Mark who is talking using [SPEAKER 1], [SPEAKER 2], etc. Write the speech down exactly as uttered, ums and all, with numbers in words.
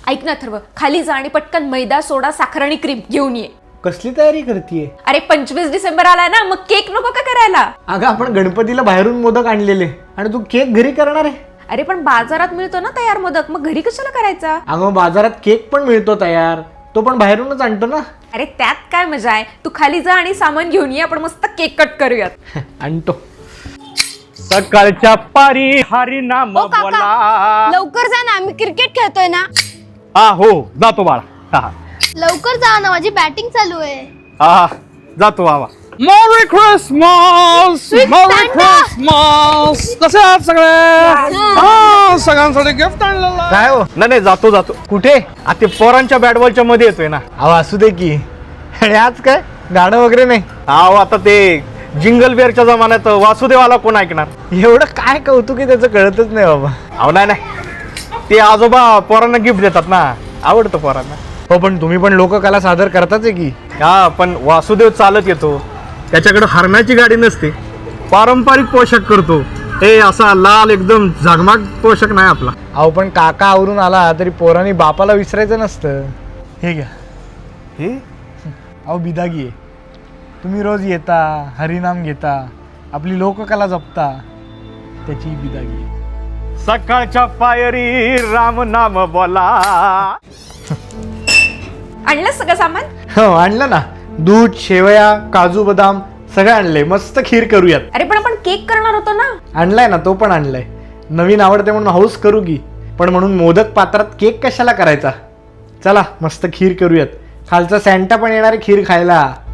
[SPEAKER 1] ऐक ना थर्व, खाली जा आणि पटकन मैदा, सोडा, साखर आणि क्रीम घेऊन ये.
[SPEAKER 2] कसली तयारी करतीये?
[SPEAKER 1] अरे पंचवीस डिसेंबर आलाय ना, मग केक नको का करायला?
[SPEAKER 2] अगं आपण गणपतीला बाहेरून मोदक आणलेले आणि तू केक घरी करणार आहे?
[SPEAKER 1] अरे पण बाजारात मिळतो ना तयार मोदक, मग घरी कशाला करायचा?
[SPEAKER 2] अगं बाजारात केक पण मिळतो तयार, तो पण बाहेरूनच आणतो ना.
[SPEAKER 1] अरे त्यात काय मजा आहे, तू खाली जा आणि सामान घेऊन ये, आपण मस्त केक कट करूयात.
[SPEAKER 2] आणतो.
[SPEAKER 3] सकाळच्या पारी हरी नाम
[SPEAKER 4] ओ काका,
[SPEAKER 3] बोला.
[SPEAKER 4] लवकर जा ना, आम्ही क्रिकेट खेळतोय ना.
[SPEAKER 3] हा हो जातो बाळा. हा
[SPEAKER 4] लवकर जा ना, माझी बॅटिंग चालू आहे.
[SPEAKER 3] हा जातो बाबा. Merry Christmas merry Christmas. कसे आहात सगळे? हा सगळ्यांसाठी गिफ्ट आणलेलं.
[SPEAKER 2] काय हो?
[SPEAKER 3] नाही नाही जातो जातो.
[SPEAKER 2] कुठे?
[SPEAKER 3] आ ते पोरांच्या बॅट बॉलच्या मध्ये येतोय ना.
[SPEAKER 2] अहो असू दे की. आणि आज काय गाणं वगैरे नाही?
[SPEAKER 3] अहो आता ते जिंगल बेअरच्या जमान्यात वासुदेवाला कोण ऐकणार.
[SPEAKER 2] एवढं काय कौतुक आहे त्याचं कळतच नाही बाबा.
[SPEAKER 3] अहो नाही नाही ते आजोबा पोरांना गिफ्ट देतात ना, आवडतं पोरांना.
[SPEAKER 2] हो पण तुम्ही पण लोककला सादर करताच आहे की.
[SPEAKER 3] हा पण वासुदेव चालत येतो, त्याच्याकडे हरणाची गाडी नसते, पारंपरिक पोशाख करतो. हे असा लाल एकदम झगमाग पोशाख नाही आपला.
[SPEAKER 2] अहो पण काका आवरून आला तरी पोरांनी बापाला विसरायचं नसतं. हे घ्या.
[SPEAKER 3] हे
[SPEAKER 2] अहो बिदागी आहे. तुम्ही रोज येता, हरिनाम घेता, आपली लोककला जपता, त्याची बिदागी आहे.
[SPEAKER 3] सकाळच्या पायरी राम नाम बोला.
[SPEAKER 1] आणलं सगळं सामान?
[SPEAKER 2] हो आणलं ना. दूध, शेवया, काजू बदाम सगळं आणलंय. मस्त खीर करूयात.
[SPEAKER 1] अरे पण आपण केक करणार होतो ना.
[SPEAKER 2] आणलाय ना, तो पण आणलाय. नवीन आवडते म्हणून हाऊस करू की, पण म्हणून मोदक पात्रात केक कशाला करायचा. चला मस्त खीर करूयात. खालचा सॅन्टा पण येणार आहे खीर खायला.